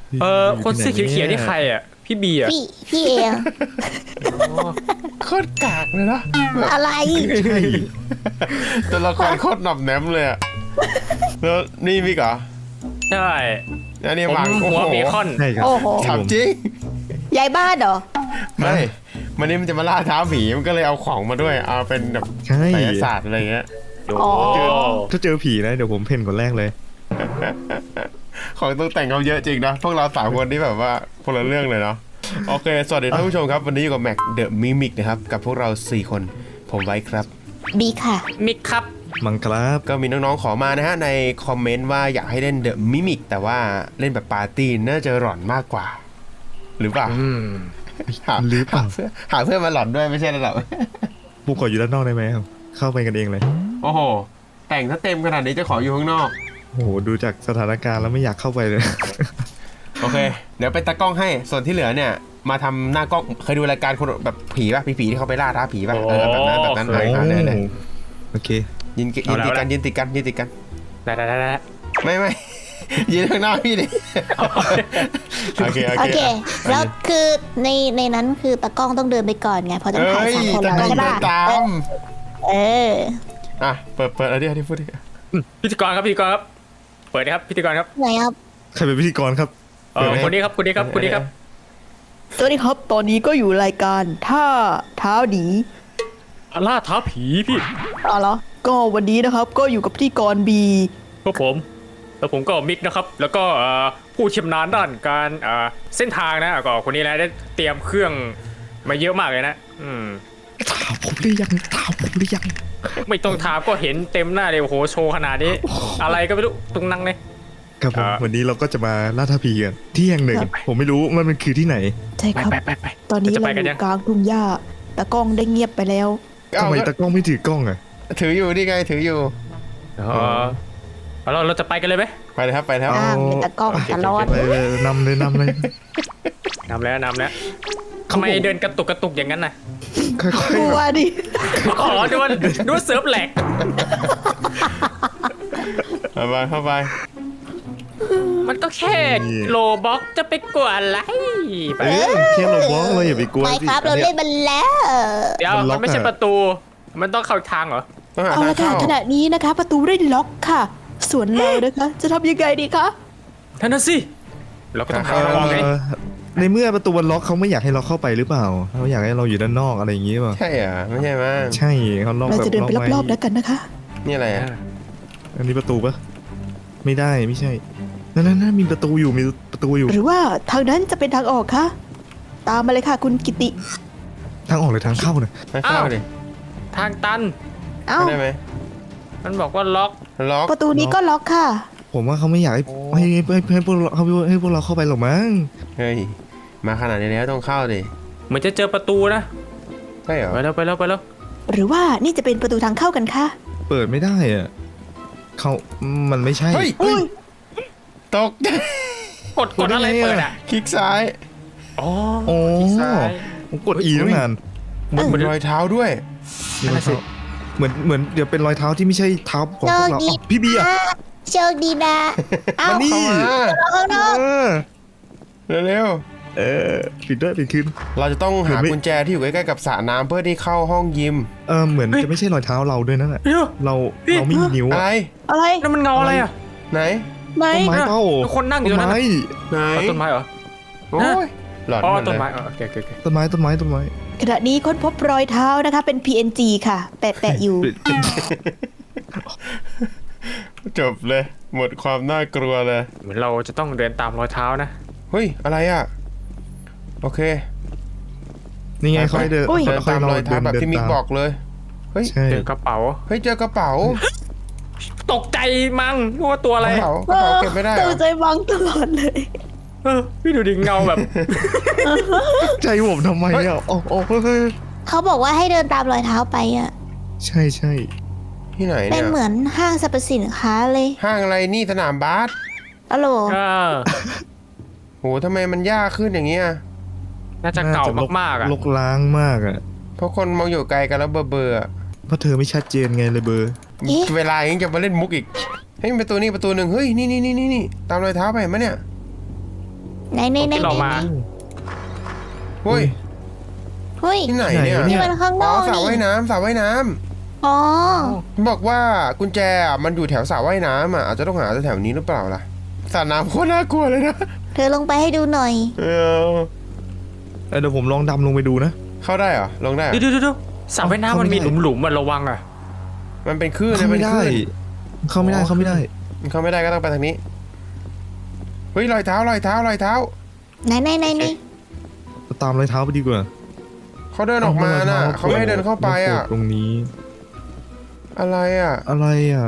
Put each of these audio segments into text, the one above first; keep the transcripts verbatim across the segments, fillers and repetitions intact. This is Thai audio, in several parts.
เออคนเสื้อเขียวๆนี่ใครอ่ะพี่บีอ่ะพี่พี่เองโคตรกากเลยนะอะไรตัวละครโคตรหน่อมแนมเลยอะแล้วนี่มิกเหรอใช่แล้วนี่ผมวางหัวเบคอนใช่ครับโอ้โหถามจริงยายบ้านเหรอไม่มันนี่มันจะมาล่าท้าผีมันก็เลยเอาของมาด้วยเอาเป็นแบบใช่ไสยศาสตร์อะไรเงี้ยโอ้ถ้าเจอผีนะเดี๋ยวผมเพ่นคนแรกเลยของต้องแต่งเขาเยอะจริงนะพวกเราสามคนนี่แบบว่าคนละเรื่องเลยเนาะโอเคสวัสดีท่านผู้ชมครับวันนี้อยู่กับแม็กเดอะมิมิกนะครับกับพวกเราสี่คนผมไว้ครับบีค่ะมิกครับมังครับก็มีน้องๆขอมานะฮะในคอมเมนต์ว่าอยากให้เล่นเดอะมิมิกแต่ว่าเล่นแบบปาร์ตี้น่าจะหลอนมากกว่า หรือเปล่าอืมหาหรือเปล่าหาเพื่อนหาเพื่อนมาหลอนด้วยไม่ใช่ระดับบุกขออยู่ด้านนอกได้ไหมครับเข้าไปกันเองเลยโอ้โห แต่งถ้าเต็มขนาดนี้จะขออยู่ข้างนอกโอ้โหดูจากสถานการณ์แล้วไม่อยากเข้าไปเลยโอเค เดี๋ยวเป็นตากล้องให้ส่วนที่เหลือเนี่ย มาทำหน้ากล้องเคยดูรายการคนแบบผีป่ะผีๆที่เขาไปล่าท้าผีป่ะเออแบบนั้นแบบนั้นโอ้อ่ะเลยเลยโอเคยืนยืนติดกันยืนติดกันยืนติดกันได้ได้ได้ได้ไม่ไม่ ยืนข้างหน้าพี่ดิโอเคโอโอเคเค แล้วคือในในนั้นคือตากล้องต้องเดินไปก่อนไงเพราะต้องเอ้ถ่ายยสามคนตาแล้วกล้องใช่เดิป่ะนตามเอออ่ะเปิดเปิดอะไรดิอะไรพูดดิพิธีกรครับพิธีกรครับเปิดเลยครับพิธีกรครับไหนครับใครเป็นพิธีกรครับเออคนนี้ครับคนนี้ครับคนนี้ครับสวัสดีครับ ตอนนี้ก็อยู่รายการท่าเท้าดีล่าท้าผีพี่อ๋อเหรอ ก็วันนี้นะครับก็อยู่กับพิธีกรบีพวกผมแล้วผมก็มิกนะครับ แล้วก็เอ่อผู้ชำนาญด้านการเอ่อเส้นทางนะก็คนนี้แหละได้เตรียมเครื่องมาเยอะมากเลยนะอืมถามผมหรือยังถามผมหรือยังไม่ต้องถามก็เห็นเต็มหน้าเลยโอ้โหโชว์ขนาดนี้ อะไรก็ไม่รู้ตรงนั่งเลยครับผมอ่าวันนี้เราก็จะมาล่าท้าผีกันที่แห่งหนึ่ง ผมไม่รู้มันมันคือที่ไหนใช่ไปครับไปไปไปตอนนี้จะเราไปอกันยัยู่งกลางทุ่งหญ้าตากล้องได้เงียบไปแล้วทำไมตากล้องไม่ถือกล้องอ่ะถืออยู่นี่ไงถืออยู่เออเอาเราเราจะไปกันเลยไหมไปเลยครับไปแล้วอ้างเป็นตากล้องตลอดไปเลยนำเลยนำเลยนำแล้วนำแล้วทำไมเดินกระตุกกระตุกอย่างนั้นน่ะค่อยกลัวดิอ๋อดูว่าดูว่าเซิร์ฟแหลกเข้าไปเข้าไปมันก็แค่โลบ็อกจะไปกลัวอะไรๆไปเอ้ยแค่เราบล็อกเราอย่าไปกลัวไปสิครับเราเล่นมันแล้วเดี๋ยวมันล็อกมันไม่ใช่อะประตู มันต้องเข้าทางเหรอต้องหาเอาทางละค่ะเข้าขณะนี้นะคะ ประตูได้ล็อกค่ะ ส่วนเรานะคะ จะทำยังไงดีคะท่านน่ะสิเราก็ต้องหาทางออกไงเอ่อในเมื่อประตูมันล็อกเขาไม่อยากให้เราเข้าไปหรือเปล่าเขาอยากให้เราอยู่ด้านนอกอะไรอย่างงี้เปล่าใช่เหรอไม่ใช่มั้งใช่เขาล็อกเราแบบจะเดินไปล็อกรอบๆไว้แล้วกันนะคะนี่อะไรอ่ะอันนี้ประตูปะไม่ได้ไม่ใช่นั่นนั่นนั่นมีประตูอยู่มีประตูอยู่หรือว่าทางนั้นจะเป็นทางออกคะตามมาเลยค่ะ คุณกิติทางออกหรือทางเข้าเนี่ยไม่เข้าดิทางตันเอ้าได้ไหมมันบอกว่าล็อกล็อกประตูนี้ก็ล็อกค่ะผมว่าเขาไม่อยากให้ให้ให้ให้ให้พวกเราให้ให้พวกเราเข้าไปหรอกมั้งเฮ้ยมาขนาดนี้แล้วต้องเข้าดิเหมือนจะเจอประตูนะใช่เหรอไปแล้วไปแล้วไปแล้วหรือว่านี่จะเป็นประตูทางเข้ากันคะเปิดไม่ได้อะเขามันไม่ใช่เฮ้ยอุ้ยตกกดกดอะไรเปิดอ่ะคลิกซ้ายอ๋อโอ้ที่ซ้ายผมกด E ตั้งนานเหมือนเป็นรอยเท้าด้วยนั่นน่ะสิเหมือนเหมือนเดี๋ยวเป็นรอยเท้าที่ไม่ใช่เท้าของพวกเราโชคดีอ้าวพี่เบียร์โชคดีนะ เอ้ามานี่เข้ามาข้างนอกเออเร็วเออปิดด้วยปิดขึ้นๆเราจะต้องหาเหมือนไม่กุญแจที่อยู่ใกล้ๆกับสระน้ำเพื่อที่เข้าห้องยิมเออเหมือนจะไม่ใช่รอยเท้าเราด้วยนั่นแหละเดี๋ยวเราพี่เราไม่มีนิ้วอะอะไรอะไรนั่นมันเงาอะไรอ่ะไหนไหนต้นไม้เป้ามีคนนั่งอยู่ต้ตรนงนั้นไม้น่ะไหนอ๋อต้นไม้เหรอโอ้ยหลอนอ๋อหมดต้นเลยไม้อ๋อโอเคโอเคโอเคต้นไม้ต้นไม้ต้นไม้ขณะนี้ค้นพบรอยเท้านะคะ เป็น พี เอ็น จี ค่ะ แปะแปะอยู่จบเลย หมดความน่ากลัวเลยเหมือนเราจะต้องเดินตามรอยเท้านะเฮ้ยอะไรอ่ะโอเคนี่ไงค่อยเดินอุ้ยเดินค่อตาย มเรารอยเท้าแบบที่มิกเดินตาบอกเลยเฮ้ยใช่เจอกระเป๋าเฮ้ยเจอกระเป๋าตกใจมั้งนึกว่าตัวกอะไรระเป๋ากระเป๋าเก็บไม่ได้เหรตื่อนใจวังตลอดเลยเออพี่ดูดิเงาแบบใจผมทำไมอ่ะโอ้โอ้เฮ้ยเขาบอกว่าให้เดินตามรอยเท้าไปอ่ะใช่ใช่ที่ไหนเป็เนี่นยเหมือนห้างสรรพสินค้าเลยห้างอะไรนี่สนามบาสอะโหลเออโหทำไมมันยากขึ้นอย่างเงี้ยน่าจะเก่ามากๆอ่ะลกล้างมากอ่ะเพราะคนมองอยู่ไกลกันแล้วเบอร์เบอร์เพราะเธอไม่ชัดเจนไงเลยเบอร์เอ๊ะเวลายังจะมาเล่นมุกอีกเฮ้ยประตูนี้ประตูหนึ่งเฮ้ยนี่นี่นี่นี่นี่ตามรอยเท้าไปเห็นไหมเนี่ยไหนไหนไหนที่เรามาเฮ้ยเฮ้ยที่ไหนไหนเนี่ยวะเนี่นี่ยมันข้างนอ๋ออกสระนี่ว่ายน้ำสระว่ายน้ำอ๋อบอกว่ากุญแจอ่ะมันอยู่แถวสระว่ายน้ำอ่ะอาจจะต้องหาแถวนี้หรือเปล่าล่ะสระน้ำโคตรน่ากลัวเลยนะเธอลงไปให้ดูหน่อยเออเออเดี๋ยวผมลองดำลงไปดูนะเข้าได้เหรอลงได้เหรอเดี๋ยวเดี๋ยวเดี๋ยวสระว่ายน้ำมันมีหลุมๆมันระวังอ่ะมันเป็นคลื่นนะเข้าเป็ไม่นคได้ลื่นเข้าไม่ได้เข้าไม่ได้มันเข้าไม่ได้ก็ต้องไปทางนี้เฮ้ยรอยเท้ารอยเท้ารอยเท้าไหนไหนไหนไหนตามรอยเท้าไปดีกว่าเขาเดินออกมาน่ะเขาไม่ให้เดินเข้าไปอ่ะตรงนี้อะไรอ่ะอะไรอ่ะ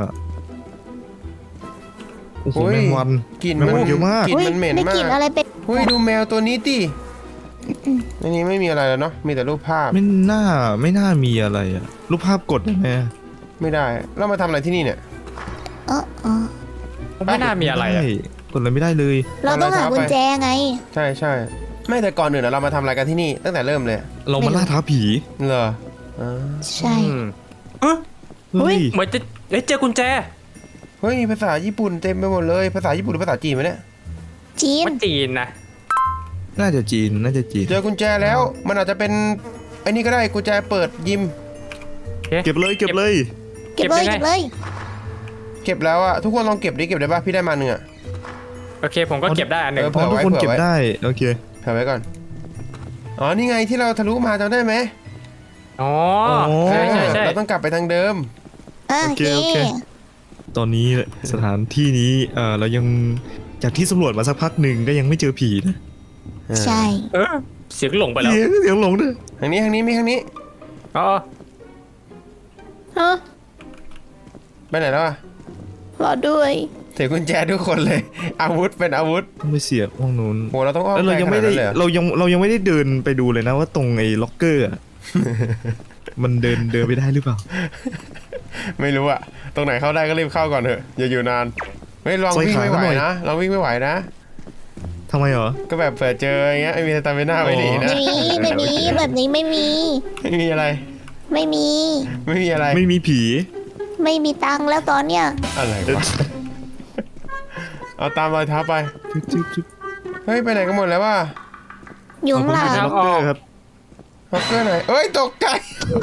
โอ้โหโอ้ยแมงวันกลิ่นแมงมันวันเยอะมากกลิ่นเฮ้ยมันเหม็นได้มากกลิ่นอะไรเป็นเฮ้ยดูแมวตัวนี้ดิในนี้ไม่มีอะไรแล้วเนาะมีแต่รูปภาพไม่น่าไม่น่ามีอะไรอ่ะรูปภาพกดได้ไหมไม่ได้เรามาทำอะไรที่นี่เนี่ยเออเออไม่น่ามีอะไรอะด้กดอะไรไม่ได้เลยเราต้องหากุญแจไงใช่ใช่ไม่แต่ก่อนอื่นอะเรามาทำอะไรกันที่นี่ตั้งแต่เริ่มเลยเรามาล่าท้าผีเหรออ่าใช่อืมเอ้ยเฮ้ยเหมือนจะเอ้ยเจอกุญแจเฮ้ยมีภาษาญี่ปุ่นเต็มไปหมดเลยภาษาญี่ปุ่นหรือภาษาจีนวะเนี่ยจีนมันจีนนะน่าจะจีนน่าจะจีนเจอกุญแจแล้วมันอาจจะเป็นไอ้นี่ก็ได้กุญแจเปิดยิมเก็บเลยเก็บเลยเก็บเลยเก็บเลยเก็บแล้วอะทุกคนลองเก็บดิเก็บได้ป่ะพี่ได้มาหนึ่งอะโอเคผมก็เก็บได้อันหนึ่งเออเพราะทุกคนเก็บได้โอเคเผื่อไว้ก่อนอ๋อนี่ไงที่เราทะลุมาจำได้ไหมอ๋อใช่ใช่ใช่เราต้องกลับไปทางเดิมอ่ะโอเคตอนนี้สถานที่นี้เออเรายังจากที่สำรวจมาสักพักหนึ่งก็ยังไม่เจอผีนะใช่เออเสียงหลงไปแล้วเสียงเสียงหลงด้วยทางนี้ทางนี้มีทางนี้อ๋อฮะไปไหนแล้วอะรอด้วยถือกุญแจทุกคนเลย อาวุธเป็นอาวุธต้องไปเสียบห้องนู้นโหเราต้องอ้อมแล้วเราไกลยังขไม่นาดได้นั้นเลยเหรอเรายังเรายังไม่ได้เดินไปดูเลยนะว่าตรงไอ้ล็อกเกอร์อะ มันเดินเดินไปได้หรือเปล่าไม่รู้อะตรงไหนเข้าได้ก็รีบเข้าก่อนเถอะอย่าอยู่นานไม่ลองวิ่งไม่ไหวนะลองวิ่งไม่ไหวนะทำไมเหรอก็แบบเผื่อเจออย่างเงี้ยไม่มีสตามิน่าไว้หนีนะไม่มีไม่มีแบบนี้ไม่มีไม่มีอะไรไม่มีไม่มีอะไรไม่มีผีไม่มีตังค์แล้วตอนเนี้ยอะไรวะเอาตามรอยเท้าไปจึ๊บจึ๊บจึ๊บเฮ้ยไปไหนกันหมดแล้ววะอยู่ข้างหลังล็อกเกอร์ครับล็อกเกอร์ไหนเอ้ยตกใจ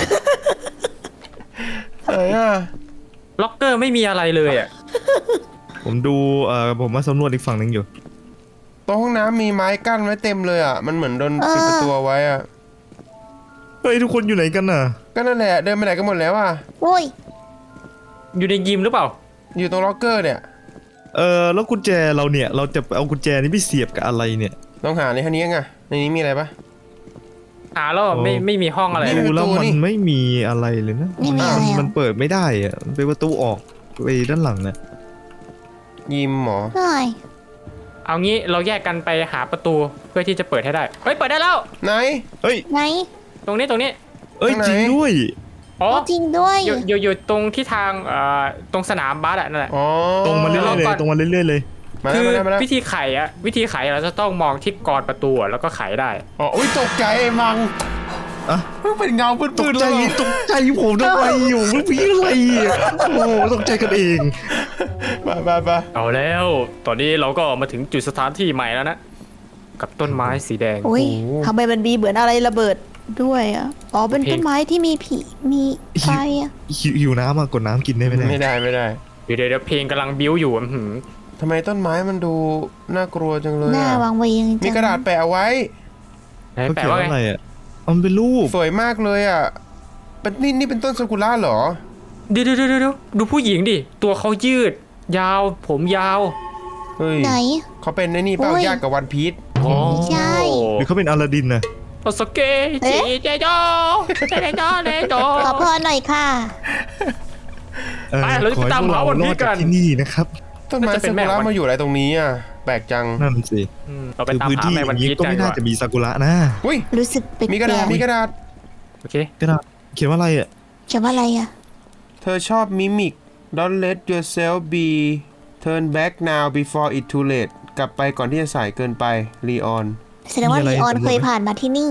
ไหนอะล็อกเกอร์ไม่มีอะไรเลยอ่ะผมดูเอ่อผมมาสำรวจอีกฝั่งหนึ่งอยู่ตรงห้องน้ำมีไม้กั้นไว้เต็มเลยอะมันเหมือนโดนปิดประตูเอาไว้อะเฮ้ยทุกคนอยู่ไหนกันน่ะก็นั่นแหละเดินไปไหนกันหมดแล้วอะโอ้ยอยู่ในยิมหรือเปล่าอยู่ตรงล็อกเกอร์เนี่ยเออแล้วกุญแจเราเนี่ยเราจะเอากุญแจนี้ไปเสียบกับอะไรเนี่ยลองหาในท่านี้ไงในนี้มีอะไรปะหาแล้วไม่ไม่มีห้องอะไรนี่เลยมีดูแล้วประตูมันนี่ไม่มีอะไรเลยนะไม่มีอะไรมันอ่ะมันเปิดไม่ได้อะมันเป็นประตูออกไปด้านหลังน่ะยิมหมอใช่เอางี้เราแยกกันไปหาประตูเพื่อที่จะเปิดให้ได้เฮ้ยเปิดได้แล้วไหนเฮ้ยไหนตรงนี้ตรงนี้เอ้ยข้างไหนจริงด้วยอ๋อโอ้จริงด้วยอยู่อยู่อยู่ตรงที่ทางเอ่อตรงสนามบาสอะนั่นแหละอ๋อตรงมาเรื่อยๆเลยก่อนตรงมาเรื่อยๆเลยมาคืแล้วอมาแล้วมาแล้ววิธีไขอะวิธีไขเราจะต้องมองที่กรประตูอะแล้วก็ไขได้อ๋ออุ้ยตกใจไอ้มังอะเพิ่งเป็นเงาปืตก้นๆใจแล้วตกใจผมทำไมอยู่มันผีอะไรอ่ะโอ้โหตกใจกันเองมาไปไปเอาแล้ว ตอนนี้เราก็มาถึงจุดสถานที่ใหม่แล้วนะ กับต้นไม้สีแดงโอ้ยทำไมมันมีเหมือนอะไรระเบิดด้วยอ่ะ อ๋อ เป็นต้นไม้ที่มีผี มีไฟอ่ะหิวหิวน้ำอ่ะกดน้ำกินได้ไหมเนี่ยไม่ได้ไม่ได้เดี๋ยวเดี๋ยวเพลงกำลังบิ้วอยู่อื้อหือทำไมต้นไม้มันดูน่ากลัวจังเลยหน้าอะวางเวงจังมีกระดาษแปะเอาไว้ไหนเขาแปลเขียนว่าว่าไงอะไรอ่ะอ๋อมันเป็นรูปสวยมากเลยอ่ะเป็นนี่นี่เป็นต้นซากุระเหรอเดี๋ยวเดี๋ยวเดี๋ยวเดี๋ยวดูผู้หญิงดิ ตัวเขายืด ยาว ผมยาวเฮ้ยไหนเขาเป็นไอ้นี่เปล่าโอ้ยญาติกับวันพีชอ๋อใช่หรือเขาเป็นอลาดินนะโอสเกะจีเจโดเจโดเจโดขอพรหน่อยค่ะเออไปเราจะขอให้ไปตามพวกหาเราวันรพีอชดกัจากนที่นี่นะครับต้นไม้น่าจะเป็ซานแม่กุระวันมาอยู่อะไรตรงนี้อ่ะแปลกจังนั่นสิอืมเราไปคือตามพื้นหาที่แม่อวันย่างพีนี้ชก็กันไม่ดีกน่าว่าจะมีซากุระนะอุ้ยรู้สึกแปลกมีกระดาษๆมีกระดาษโอเคกระดาษเขียนว่าอะไรอ่ะเขียนว่าอะไรอ่ะเธอชอบมิมิก don't let yourself be turn back now before it too late กลับไปก่อนที่จะสายเกินไปลีออนแสดงว่ามีอะไรลีออนสำรวจไหมเคยผ่านมาที่นี่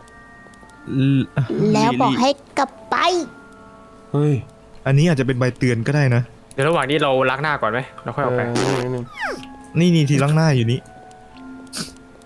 แล้วบอกให้กลับไปเฮ้ยอันนี้อาจจะเป็นใบเตือนก็ได้นะเดี๋ยวระหว่างนี้เราล้างหน้าก่อนไหมเราค่อยเอออกไปอนิดนึงนี่นี่ทีล้างหน้าอยู่นี่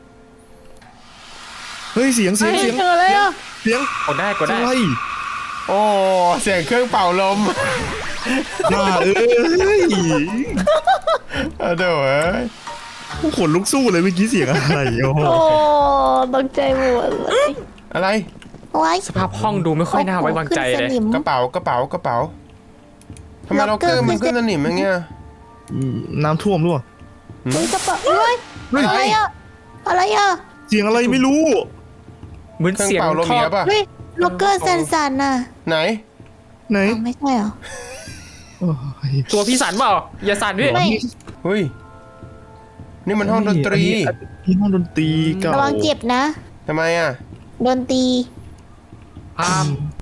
เฮ้ยเสียงเสียงเฮ้ยเสียงเจออะไรอ่ะเสียงกดได้กดได้อะไรโอ้เสียงเครื่องเป่าลมบ้าเอ้ยเอาเดี๋ยวเอ้ยขนลุกสู้เลยเมื่อกี้เสียงอะไรโอ้โหโอ้ตกใจหมดเลยอะไรไว้สภาพห้องดูไม่ค่อยน่าไว้วางใจเลยขึ้นสนิมกระเป๋ากระเป๋ากระเป๋าทำไมล็เราอกเกเกออร์ร์มันขึ้ขึ้นนสนิมอย่างเงี้ยน้ำท่วมด้วยอุ้ยกระเป๋าเฮ้ยเฮ้ยอะไรอ่ะอะไรอ่ะเสียงอะไรไม่รู้เหมือนเครื่องเสียงเป่าลมท่อเนี้ยป่ะเฮ้ยล็อกเกอร์สั่นๆน่ะไหนไหนอ้าวไม่ใช่เหรอโอ้ยตัวพี่สันเปล่าอย่าสั่นพี่ไม่เฮ้ยนี่มันห้องดนตรีอันนี้ห้องดนตรีเก่าระวังเจ็บนะทำไมอ่ะโดนตีพาม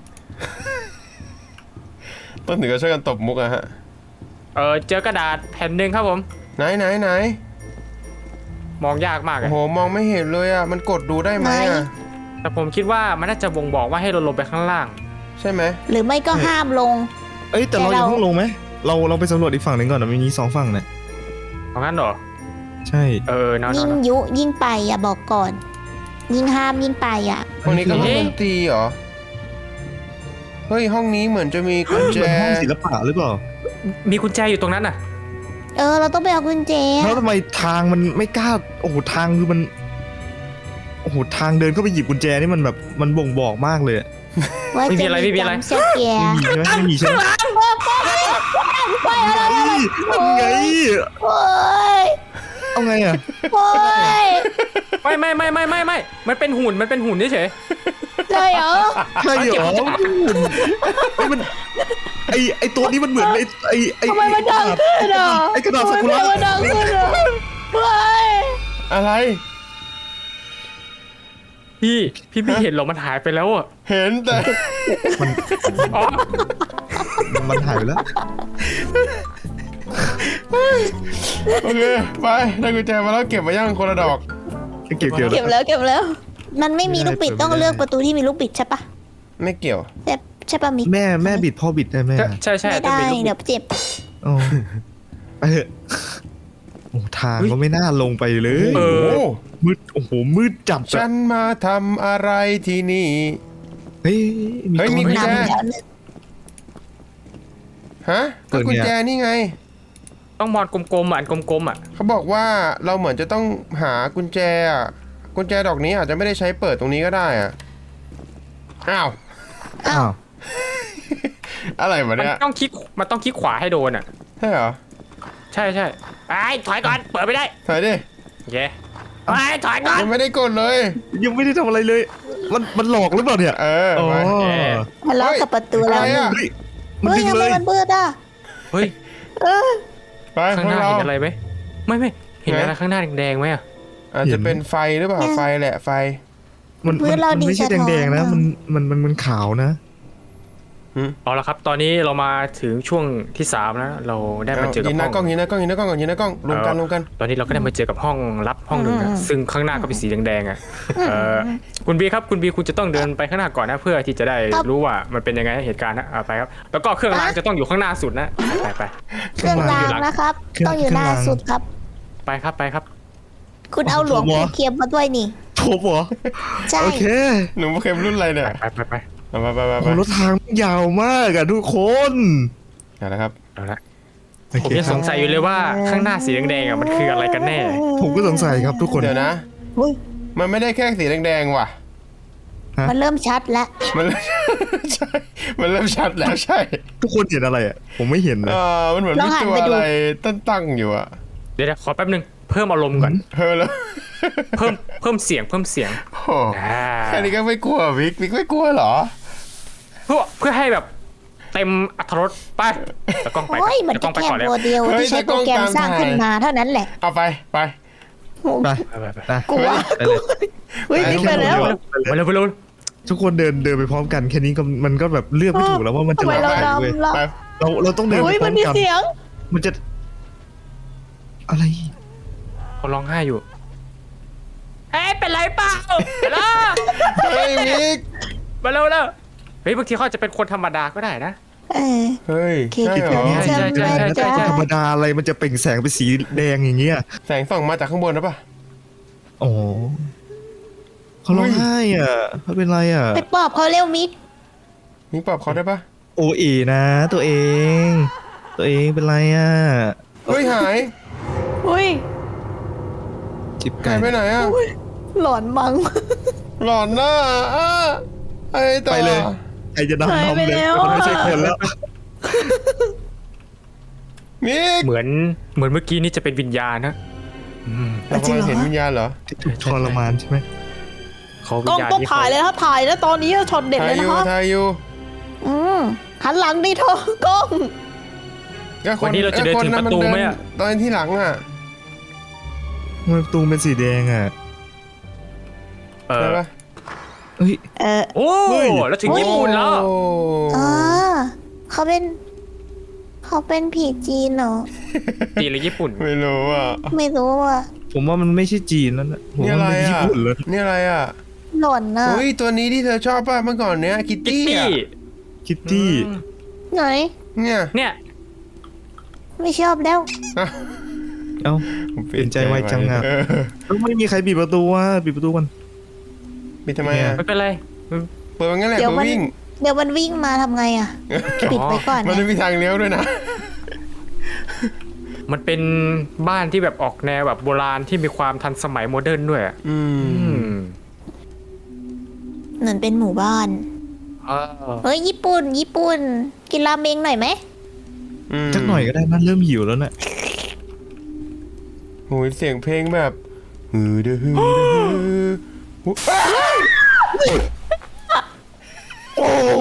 ต้องถึงก็ช่วยกันตบมุกอะฮะเออเจอกระดาษแผ่นหนึ่งครับผมไหนไหนไหนมองยากมากโอ้อะโหมองไม่เห็นเลยอ่ะมันกดดูได้ไหมอ่ะแต่ผมคิดว่ามันน่าจะบ่งบอกว่าให้เราลงไปข้างล่างใช่ไหมหรือไม่ก็ห้ามลงเอ้ยแต่เราแต่ยังเราต้องลงไหมเราเราไปสำรวจอีกฝั่งหนึ่งก่อนนะมีสองฝั่งเนี่ยเพราะงั้นเหรอใช่เออเนาะยิ่งเนาะยุยิ่งไปอ่ะบอกก่อน ยิ่งห้ามยิ่งไปอ่ะห้องนี้ก็ห้องเอ๊ะดนตรีเหรอเฮ้ยห้องนี้เหมือนจะมีกุญแจเป็นห้องศิลปะหรือเปล่ามีกุญแจอยู่ตรงนั้นน่ะเออ เราต้องไปเอากุญแจแล้วทำไมทางมันไม่กล้าโอ้โหทางคือมันโอ้โหทางเดินเข้าไปหยิบกุญแจนี่มันแบบมันบ่งบอกมากเลยอะว่าไม่มีจะอะไรไม่มีอะไรจำเสียแกไม่มีใช่ไหมไม่มีใช่ไหมไปอะไรอะไรเฮ้ยทำไงโอ้ยเอาไงอ่ะโอ้ยไม่ไม่ไม่ไม่ไม่ไม่มันเป็นหุ่นมันเป็นหุ่นเฉยเลยเหรอใช่เหรอไอ้มันไอไอตัวนี้มันเหมือนไอไอไอทำไมมันดังขึ้นอ่ะไอกระดาษซากุระทำไมมันดังขึ้นอ่ะเฮ้ยอะไรๆพี่พี่พี่เห็นเหรอมันหายไปแล้วอ่ะเห็นแต่อ๋อมันหายไปแล้วโอเคไปได้กุญแจมาแล้วเก็บมาย่างคนละดอกเกี่ยวเกี่ยวเก็บแล้วเก็บแล้ว มันไม่มีลูกบิดต้องเลือกประตูที่มีลูกบิดใช่ปะไม่เกี่ยวแต่ใช่ปะมิกแม่แม่บิดพ่อบิดได้ไหมใช่ใช่ไม่ต้องได้มีลูกบิเดี๋ยวเจ็บโอ้ไปเถอะโอ้ทางก็ไม่น่าลงไปเลยเอโอ้อมืดโอ้โหมืดจับฉันมาทำอะไรที่นี่เฮ้ยเฮ้ยมีกล้องกุญแจนำแล้วหนึ่งฮะก็กุญแจนี่ไงต้องมอนกลมๆอ่ะอันกลมๆอ่ะเขาบอกว่าเราเหมือนจะต้องหากุญแจอ่ะกุญแจดอกนี้อาจจะไม่ได้ใช้เปิดตรงนี้ก็ได้อ่ะอ้าวอ้าวอะไรวะมันเนี่ยต้องคลิกมันต้องคลิกขวาให้โดนอ่ะใช่เหรอใช่ใช่ไอ้ถอยก่อนเปิดไม่ได้ถอยดิโอเคไอ้ถอยก่อนยังไม่ได้กดเลยยังไม่ได้ทำอะไรเลย มันมันหลอกหรือเปล่าเนี่ยเอออ๋อไปทะเลาะกับประตูแล้วเฮ้ยหนึ่งเฮ้ยมันเฮ้ยดึงทำเลไมยมันมืดอ่ะเฮ้ยเออไปข้างพหวกน้าเราเห็นอะไรไหมไม่ไม่เห็นอะไรข้างหน้าแดงๆไหมอ่ะอาจจะเป็นไฟหรือเปล่าไฟแหละไฟมันพื้มันนเรามันดีไม่ใช่สะท้อนแดงๆนะอะมันมันมันมันขาวนะเอาละครับตอนนี้เรามาถึงช่วงที่สามแล้วเราได้มาเจอกับยินหห้น้าองกล้องยินหน้ากล้องยินหน้ากล้องก่อนยินหน้ากล้องรวมกันรวมกันตอนนี้เราก็ได้มาเจอกับห้องลับห้องหนึ่งนะซึ่งข้างหน้าก็เป็นสีแดงๆอ่ะเออคุณบีครับคุณบีคุณจะต้องเดินไปข้างหน้าก่อนนะเพื่อที่จะได้รู้ว่ามันเป็นยังไงเหตุการณ์นะเอาไปครับแล้วก็เครื่องรางจะต้องอยู่ข้างหน้าสุดนะไปไปเครื่องรางนะครับเครื่องต้องอยู่หน้าเครื่องรางสุดครับไปครับไปครับคุณเอาหลวงปู่เทียมมาด้วยนี่โถบเหรอใช่โอเคหนูเข็มรุ่นอะไรเนี่ยไปไปไปมาไปไปไปโอ้รถทางมันยาวมากอะทุกคนเอาละครับเอาละโอผมเคยังคสรับงสัยอยู่เลยว่าข้างหน้าสีแดงๆอ่ะมันคืออะไรกันแน่ผมก็สงสัยครับทุกคนเดี๋ยวนะเฮ้ยมันไม่ได้แค่สีแดงๆว่ะมันเริ่มชัดแล้วมันเริ่ม ใช่ มันเริ่มชัดแล้วใช่ทุกคนเห็นอะไรอะผมไม่เห็นเลเอย อมันเหมือนมีตัวอะไรตั้งๆอยู่อะเดี๋ยวๆขอแป๊บนึงเพิ่มอารมณ์ก่อนเฮ้ยแล้วเพิ่มเพิ่มเสียงเพิ่มเสียงโอ้โหอ่าแค่นี้ก็ไม่กลัววิกวิกไม่กลัวเหรอเพื่อเพื่อให้แบบเต็มอรรถรสไปตะกล้องไปก่อนโอ้ย มันตะกล้จะองไปแค่ก่อนแล้วโมเดลเฮ้ยที่ใช้โปรแกรมสร้างขึ้นมาเท่านั้นแหละเอาไปไปไปไปไปไปไปกลัวไปเลยเฮ้ยนี่ไปแล้วไปเร็วไปเร็วทุกคนเดินเดินไปพร้อมกันแค่นี้ก็มันก็แบบเลือกไม่ถูกแล้วว่ามันจะทำไมหลเราอกอะไรเว้ยดำล่ะไปเราเราต้องเดินไปเฮ้ยพร้มัอน มมีกันเสียงมันจะอะไรเขาร้องไห้อยู่เอ้ยเป็นไรเปล่าไปแล้วเฮ้ยวิกมาเร็วแล้วเฮ้ยบางทีเขาอาจจะเป็นคนธรรมดาก็ได้นะเออเฮ้ยโอเคใช่เหรอใช่ใช่ใช่ใช่ใช่ธรรมดาอะไรมันจะเปล่งแสงเป็นสีแดงอย่างเงี้ยแสงส่องมาจากข้างบนหรือเปล่าอ๋อเขาร้องไห้อ่ะเขาเป็นไรอ่ะไปปอบเขาเร็วมิกมิกปรับเขาได้ปะโอเอนะตัวเอง ตัวเองเป็นไรอ่ะเฮ้ยหายอุ้ยจิบไก่หายไปไหนอ่ะหลอนมังหลอนหน้าอ่ะไอ้ต่อไปเลยใครจะนำหายน้ำไปเลยแล้วมันไม่ใช่คนแล้วมิกเหมือนเหมือนเมื่อกี้นี่จะเป็นวิญญาณนะอืมเรากำลังเห็นวิญญาณเหรอทรมานใช่ไหมเขาวิกล้องญญาณต้องนี่ถ่ายเลยนะครับถ่ายแล้วตอนนี้ช็อตเด็ดถ่าเลย ยอนะยู่ครับถ่ายอยู่อืมหันหลังดิเธอกล้องก็ควันนี้เราจะเดินถึงประตูไหมอ่ะตอนที่หลังอ่ะทำไมประตูเป็นสีแดงอ่ะเอใช่อปะเฮ้ยเออโอ้เฮ้ยแล้วถึงญี่ปุ่นแล้วโอ้อ๋อเขาเป็น เขาเป็นผีจีนเหรอจีนหรือญี่ปุ่นไม่รู้อ่ะไม่รู้อ่ะผมว่ามันไม่ใช่จีนแล้วนะผมนี่ว่าอะไรมันเป็นญี่อ่ะปุ่นเลยนี่อะไรอ่ะหล่นน่ะเฮ้ยตัวนี้ที่เธอชอบป่ะเมื่อก่อนเนี้ยคิตกิตตี้ตี้อ่ะคิตตี้อืมไหนเนี่ยเนี่ยไม่ชอบแล้วเอ้า เปลี่ยนใจไวจังอะเออแล้วไม่มีใครปิดประตูว่ะปิดประตูกันปิดทำไมอ่ะไม่เป็นไรเปิดมันงั้นแหละเดี๋ยวเปิดมันวิ่งเดี๋ยวมันวิ่งมาทำไงอ่ะ ปิดไว้ก่อนมันนะไม่มีทางเลี้ยวด้วยนะมันเป็นบ้านที่แบบออกแนวแบบโบราณที่มีความทันสมัยโมเดิร์นด้วยอะอือืมมเหมือนเป็นหมู่บ้านเออเฮ้ยญี่ปุ่น ญี่ปุ่น กินราเมงหน่อยไหมมสักหน่อยก็ได้นั่นเริ่มหิวแล้วน่ะโอ้ยเสียงเพลงแบบฮือเดอฮือเดอฮือหูอ้าวโอ้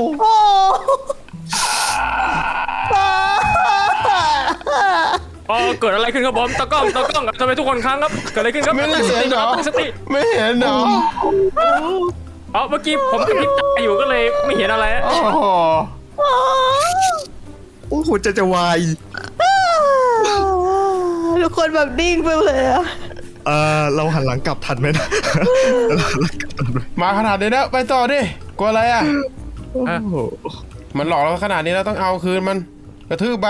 อ๋อเกิดอะไรขึ้นครับผมตะกล้องตะกล้องทำไมทุกคนค้างครับเกิดอะไรขึ้นครับไม่ได้เห็นเหรอตั้งสติไม่เห็นเหรออ๋อเมื่อกี้ผมกระพริบตาอยู่ก็เลยไม่เห็นอะไรอะโอ้โหโอ้โหจะจะวายทุกคนแบบนิ่งไปเลยอะเออเราหันหลังกลับทันไหมนะเราหันหลังกลับทันไหมมาขนาดนี้แล้วไปต่อดิกลัวอะไรอ่ะโอ้โหมันหลอกเราขนาดนี้แล้วต้องเอาคืนมันกระทืบมัน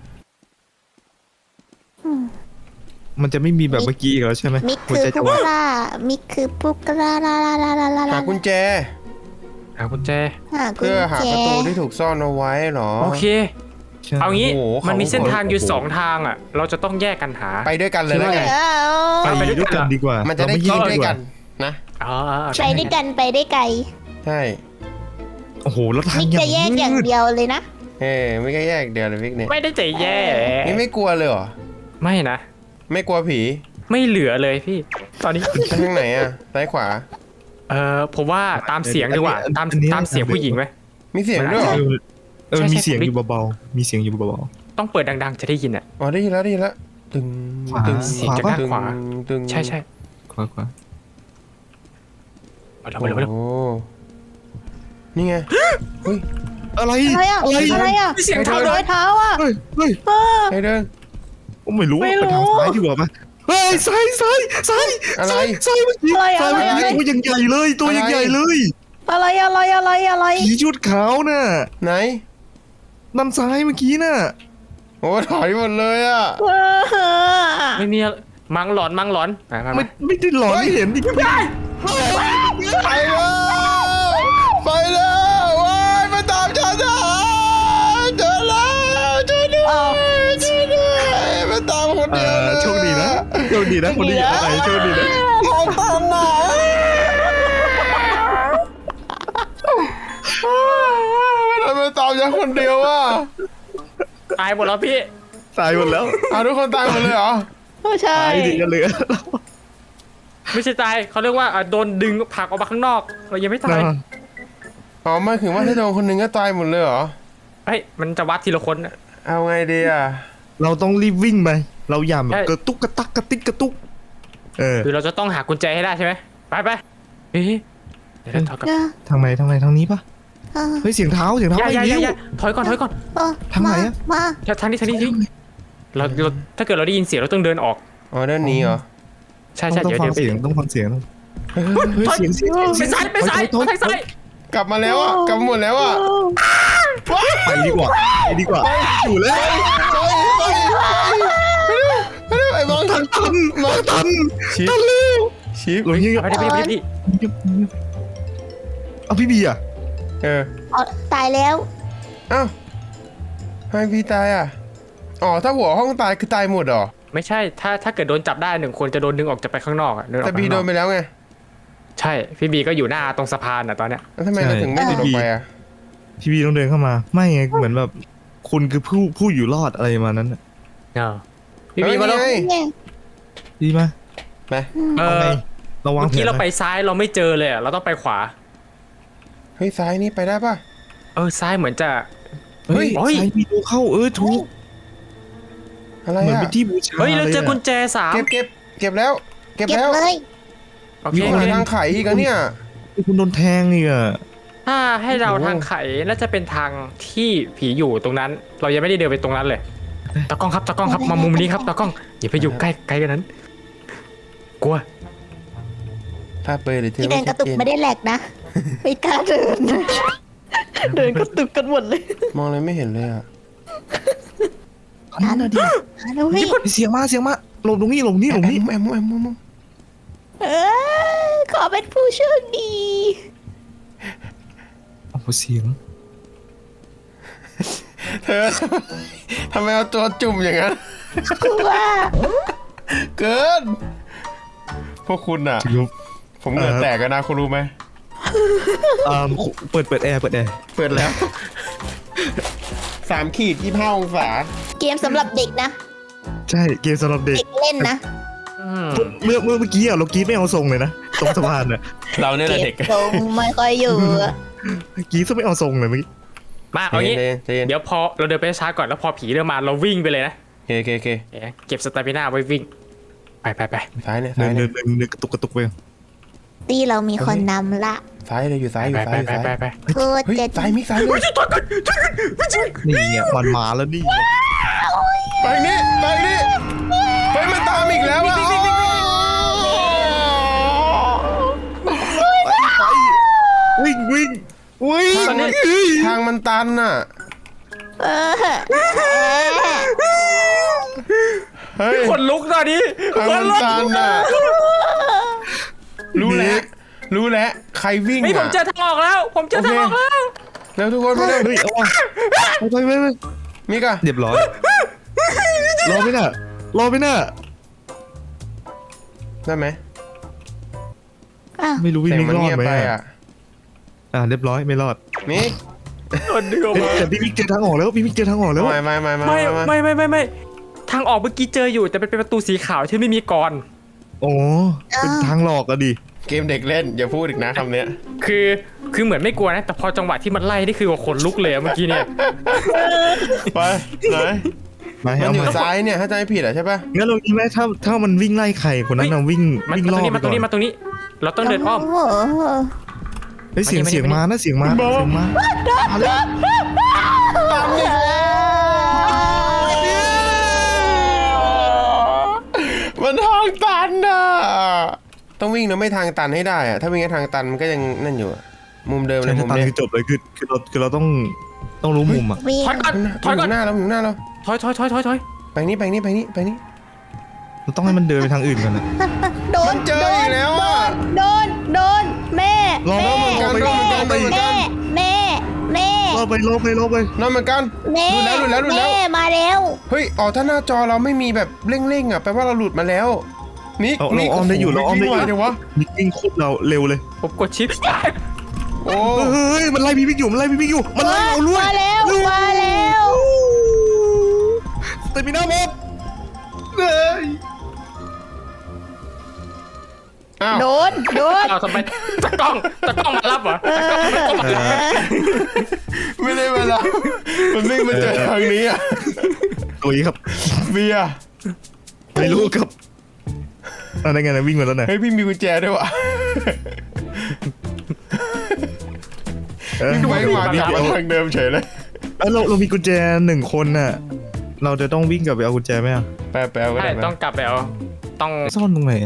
มันจะไม่มีแบบเมื่อกี้อีกแล้วใช่ไหมมิกหัวคือใจจะผู้วายกล้า มิกคือผู้กล้าลาลาลาลาลาหาลากุญแจหากุญแจหากุญเพื่อหาแจประตูที่ถูกซ่อนเอาไว้เหรอโอเคใช่เอางี้โอ้โหมันมีเขาเส้นทางอยู่โอ้โหสองทางอ่ะ เราจะต้องแยกกันหาไปด้วยกันเลยแล้วไงเอ้าไปด้วยกันดีกว่ามันจะได้เราคิดม่แกด้วยกันดีานะอ๋อไปด้วยกันไปได้ไกลใช่โอ้โหแล้วทางมิกอย่าจะแยกอย่างมืดเดียวเลยนะเอ้ไม่ก็แยกเดียวเลยวิกเนี่ยไม่ได้ใจแย่นี่ไม่กลัวเลยเหรอไม่นะไม่กลัวผีไม่เหลือเลยพี่ ตอนนี้ไปทางไหนอ่ะซ้ายขวาเออผมว่าตามเสียงดีกว่า ตามตามเสียงผู้หญิงไหมมีเสียงด้วยเหรอเออเออใช่ใช่มีเสียงอยู่เบาๆมีเสียงอยู่เบาต้องเปิดดังๆจะได้ยินอ่ะอ๋อได้ยินแล้วได้ยินแล้วตึงขวาตึงเสียงจากด้านขวาตึงใช่ใช่ๆขวาขวาเอาเร็วเอาเร็วเอาเร็วโอ้นี่ไงเฮ้ยอะไรอะไรอะอะไรอะไรอะเสียงเท้าร้อยเท้าอะเฮ้ยเฮ้ยเออใครเดินผมไม่รู้ไม่ว่ารู้ไปทางซ้ายดีกว่าปะเฮ้ยซ้ายซ้ายซ้ายอะไรซ้ายซ้ายเมื่อกี้อะไรซ้ายเมื่ออะไรกี้ตัวยังใหญ่เลยตัวยังใหญ่เลยอะไรอะไรอะไรอะไรผีชุดขาวน่ะไหนด้านซ้ายเมื่อกี้น่ะโอ้ถอยหมดเลยอ่ะเออไม่มีอะไรมังหลอนมังหลอนไปไปไม่ไปไม่ได้หลอนเฮ้ยไม่เห็นดิไปแล้วไปแล้วว้ายมาตามฉันนะเจอแล้วช่วยด้วยช่วยด้วยมาตามคนเอเดียวอเลยโชคดีนะโชคดีนะคนที่อยู่อะไรโชคดีนะขอตามหน่อยทำไมตามฉันคนเดียวอ่ะตายหมดแล้วพี่ตายหมดแล้วเอาทุกคนตายหมดเลยเหรอไม่ใช่ตายดิจะเหลือไม่ใช่ตายเขาเรียกว่าอ่ะโดนดึงผลักออกมาข้างนอกเรายังไม่ตายนะอ๋อไม่ถึงว่าถ้าโดนคนหนึ่งก็ตายหมดเลยเหรอเฮ้ยมันจะวัดทีละคนน่ะเอาไงดีอ่ะเราต้องรีบวิ่งไปเราอย่าแบบใช่กระตุกกระตักกระติกกระตุกเออคือเราจะต้องหากุญแจให้ได้ใช่ไหมไปไปเฮ้ยเดี๋ยวถอยก่อนเออทางไหนทางไหนทางนี้ปะเออเฮ้ยเสียงเท้าเสียงเท้าอย่าไปอย่าอย่านิ้วอย่าถอยก่อนถอยก่อนเออทางไหนมาอะมาทางนี้ทางนี้ทางนี้เราเราถ้าเกิดเราได้ยินเสียงเราต้องเดินออกอ๋อเดินหนีเหรอใช่ต้อใช่งต้องเดี๋ยวฟัเดี๋ยวงเสียงต้องฟังเสียงต้องเฮ้ยเสียงเสียงไปซ้ายไปซ้ายถอไปถอซ้ายกลับมาแล้วอ่ะกลับมาหมดแล้วอ่ะไปดีกว่าไปดีกว่าอยู่แล้วไปไปไปไปไอ้มองทันทันมาทันชิดทันเร็วชิชิปหลงเงียบไปดิไปดิไปดิๆเอาพี่บีอ่ะเอออ๋อตายแล้วเอ้าทำไมพี่ตายอ่ะอ๋อถ้าหัวห้องตายคือตายหมดเหรอไม่ใช่ถ้าถ้าเกิดโดนจับได้หนึ่งคนจะโดนดึงออกจะไปข้างนอกอ่ะเดินออกแต่ไปบีข้างโดนอน กไปแล้วไงใช่พี่บีก็อยู่หน้าตรงสะพานอ่ะตอนเนี้ยแล้วทำไมเราถึงไม่หลุดออกไปอ่ะพี่บีต้องเดินเข้ามา ไม่ไงเหมือนแบบคุณคือผู้ผู้อยู่รอดอะไรประมาณนั้นน่ะเออพี่บีมาแล้วเฮ้ยเนี่ยดีไหมไปเอเอาอไงเราวางเมื่อแผกี้นเราไปไว้ซ้ายเราไม่เจอเลยอะเราต้องไปขวาเฮ้ยซ้ายนี่ไปได้ป่ะเออซ้ายเหมือนจะเฮ้ยเฮ้ยใช้มีดูเข้าเออถูกอะไรเหมือนอ่ะเป็นที่บูชาเฮ้ยเราเจอลยะกุญแจสามเก็บเก็บเก็บแล้ว เก็บเก็บแล้วเลยโอเคมีโอหาเคทางไขอีกอะเนี่ยคุณโดนแทงอีกอ่ะถ้าให้เราโอ้โหทางไขน่าจะเป็นทางที่ผีอยู่ตรงนั้น เรายังไม่ได้เดินไปตรงนั้นเลยตากล้องครับตากล้องครับมามุมนี้ครับตากล้องอย่าไปอยู่ใกล้ใกล้กันนั้น กลัวถ้าเปิดหรือเธอที่เดิไม่นกชัระดตุกเจนไม่ได้แหลกนะ ไม่กล้าเดินเดินกระตุกกันหมดเลยมองอะไรไม่เห็นเลยอ่ะนั่นน่ะดิหาด้วยเสียงมาเสียงมาหลบตรงนี้หลบนี่หลบแอนี่มแอมแอมแอมแอมเออขอเป็นผู้โชคดีโอ้โหเสียงเธอ ทำไมเอาตัวจุ่มอย่างนั้นคือว่าเกิน พวกคุณอ่ะ ผมเหงื่อแตกกันนะคุณรู้ไหมอ่าเปิดเปิดแอร์เปิดแอร์เปิดแล้ว สามขีดยี่ห้าองศาเกมสำหรับเด็กนะใช่เกมสำหรับเด็กเด็กเล่นนะอืมเมื่อเมื่อเมื่อกี้อ่ะเรากรีดไม่เอาทรงเลยนะตรงสะพานอ่ะเราเนี่ยแหละเด็กทรงไม่ค่อยอยู่อะกรีดซะไม่เอาทรงเลยเมื่อกี้มาเอางี้ใจเย็นใจเย็นเดี๋ยวพอเราเดินไปช้าก่อนแล้วพอผีเริ่มมาเราวิ่งไปเลยนะโอเคโอเคโอเคเอ๊ะเก็บสตามิน่าไว้วิ่ง ไปไปไปซ้ายเนี่ยเดิซ้ายนเนี่เดิยนเดินเดินกระตุกกระตุกไปตีเรามีคนนำละซ้ายเลยอยู่ซ้ายอไปยู่ซ้ายอยู่ไปไปซ้ายไปไปพูดเฮ้ยจะซ้ายมิกซ้ายเลยนี่ไงมันมาแล้วนี่ไงไปนี่ไปนี่ไปมันตามอีกแล้วอ่ะวิ่งวิ่งวิ่งทางมันทางมันตันน่ะเออเฮ้ยขนลุกตอนนี้ทางมันตันน่ะรู้แล้วรู้แล้วใครวิ่งนี่ผมอ่ะเจอทางออกแล้ว ผมเจอทางออกแล้วแล้วทุกคนไปเลยเฮ้ยเอาว่ะไปไปไปไปมิกอะเรียบร้อยรอไม่น่ะรอไม่น่ะได้ไหมอ้าวไม่รู้วิ่งเสียงมิกมันรอเงีดยบไหมไปอ่ะอ่ะอ่าเรียบร้อยไม่รอดมิกโดนดึงออกเฮ้ยมาแต่พี่มิกเจอทางออกแล้วพี่มิกเจอทางออกแล้วไม่ไม่ไม่ไม่ไม่ไม่ไม่ไม่ไม่ไม่ทางออกเมื่อกี้เจออยู่ แต่เป็นประตูสีขาวที่ไม่มีกรอนโอ้เป็นทางหลอกอะดิเกมเด็กเล่นอย่าพูดอีกนะคำเนี้ยคือคือเหมือนไม่กลัวนะ แต่พอจังหวะที่มันไล่นี่คือว่าขนลุกเลยอะเมื่อกี้เนี่ยไปไหนมามันเอาอยู่มาซ้ายเนี่ยถ้าจำไม่ผิดอ่ะใช่ปะงั้นเราคิดไหมถ้าถ้ามันวิ่งไล่ใครคนนั้นน่ะวิ่งมันวิ่งมาล่ตอรงนี้ไปมาตรก่องนี้นมาตรงนี้ เราต้องเดินอ้อมโอ้โหเฮ้ยเสียงมานี่เสียงมานี่มานะเสียงมาเสียงมามาแล้วมันทางตันอ่ะต้องวิ่งนะไม่ทางตันให้ได้อ่ะถ้าวิ่งให้ทางตันมันก็ยังนั่นอยู่อะมุมเดิมเลใช่ยมุถ้าม ตันเนี้ยคือจบเลยคือคือเราคือเราต้องต้องรู้มุมอ่ะวิ่งถอยก่อนถถออย ยก่ก่ออน นหน้าเราอยู่หน้าเราถอยถอยถอยถอยถอยไปนี่ไปนี่ไปนี่ไปนี่เราต้องให้มันเดินไปทางอื่นก่อนนะโดนมันเจออีกแล้วอ่ะโดนโดนแม่รอแม่เหมือนกันแม่รอเหมือนกันแม่แม่รอไปรอไปรอไปนั่นเหมือนกันแม่หลุดแล้วหลุดแล้วหลุดแล้วแม่มาแล้วเฮ้ยอ๋อถ้าหน้าจอเราไม่มีแบบเร่งๆอ่ะแปลว่าเราหลุดมาแล้วมิกเราเรามิกอ้อมได้อยู่เราอ้อมได้อยู่วิ่งวจังวะมิกวิ่งโคตรเราเร็วเลยผมกดชิปโอ้เฮ้ยมันไล่พี่มิกอยู่มันไล่พี่มิกอยู่มันไล่เราด้วยมาแล้วมาแล้วเตมิน่าหมดเลยอ้าวโดนโดนเอาทำไมตะกล้องตะกล้องมารับเหรอตะกล้องตะกล้องมารับไม่ได้เวลามันวิ่งมาเจอทางนี้อ่ะตัวนี้ครับเบียร์ไม่รู้ครับอะไรไงนะวิ่งมาแล้วไหนเฮ้ยพี่มีกุญแจด้วยวะเออวิ่งไปมาพี่มาทางเดิมเฉยเลยเออเราเรามีกุญแจหนึ่งคนน่ะเราจะต้องวิ่งกลับไปเอากุญแจไหมอ่ะแปลแปลก็ใช่ได้ไหมต้องกลับไปเอาต้องซ่อนตรงไหนอะ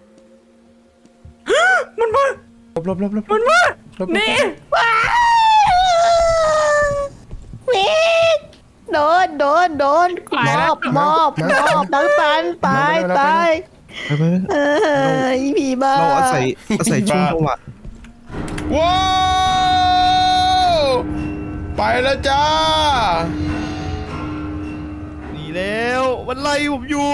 มันมาลบลบลบลบมันมาลบนี่ว้าววิกโดนโดนโดนมอบมอบมอบน้องตันตายตายไปไปไปเอออีผีบ้าเราอาศัยอาศัยช่วงจังหวะว้าวไปแล้วจ้าหนีแล้วมันไล่ผมอยู่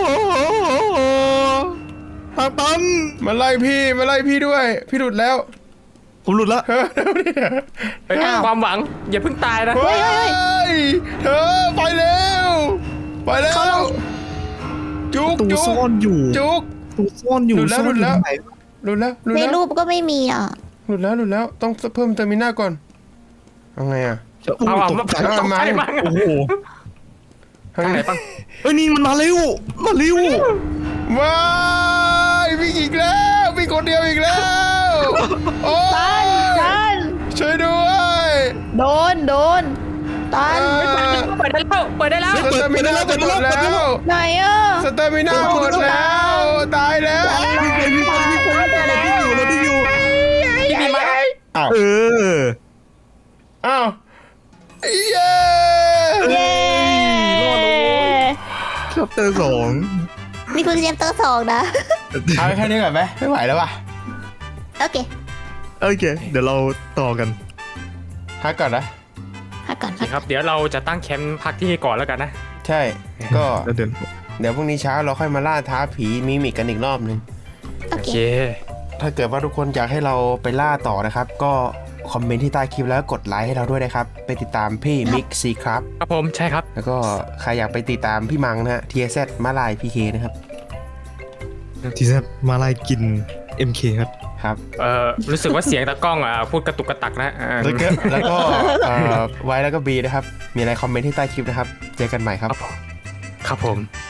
ทางตันมาไล่พี่มาไล่พี่ด้วย พี่หลุดแล้วผมหลุดละเฮ้ยเดี๋ยวดิเฮ้ยความหวังอย่าเพิ่งตายนะเฮ้ยเธอไปเร็วไปแล้วจุกตูจุกซ่อนอยู่จุกตูซ่อนอยู่หลุดแล้วซ่อนอยู่หลุดแล้วตรงไหนหลุดแล้วหลุดในแล้วรูปก็ไม่มีอ่ะหลุดแล้วหลุดแล้วต้องเพิ่มเตอร์มิน่าก่อนเอาไงอ่ะเอาเอาตมากใจตกใจมั้งโอ้โหทางไหนปังเอ้ยนี่มันมาเร็วมาเร็วว้ายวิ่งอีกแล้ววิ่งคนเดียวอีกแล้วโอ้ตันยตันช่วยด้วยโดนโดนตันเปิดได้แล้วเปิดได้แล้วสเตอร์มิน่าจะหมดแล้วไหนอ่ะสเตอร์มิน่าหมดแล้วตายแล้ววิ่งไปวิ่งไปวิ่งไปเราที่อยู่เราที่อยู่พี่มีไหมอ้าวเอออ้าวเย้เย้ชอบเตอร์สองนี่คือเรียมเตอร์สองนะเอาแค่นี้ก่อนไหมไม่ไหวแล้วว่ะโอเคโอเค เดี๋ยวเราต่อกันพักก่อนนะพักก่อนโอเคครับเดี๋ยวเราจะตั้งแคมป์พักที่นี่ก่อนแล้วกันนะใช่ก็แล้วเดินเดี๋ยวพรุ่งนี้เช้าเราค่อยมาล่าท้าผีมิมิกกันอีกรอบนึงโอโอเคเคถ้าเกิดว่าทุกคนอยากให้เราไปล่าต่อนะครับ ก็คอมเมนต์ที่ใต้คลิปแล้วกดไลค์ให้เราด้วยนะครับ ไปติดตามพี่มิกซีครับครับผมใช่ครับแล้วก็ใครอยากไปติดตามพี่มังนะฮะ ที เอส แซด มาลายพีเคนะครับทีแซมาไล่กิน เอ็ม เค ครับครับเอ่อรู้สึกว่าเสียงตากล้องอ่ะพูดกระตุกกระตักนะอ่าแล้วก็แล้วก็เอ่อไว้แล้วก็บีนะครับ มีอะไรคอมเมนต์ที่ใต้คลิปนะครับ เจอกันใหม่ครับครับผม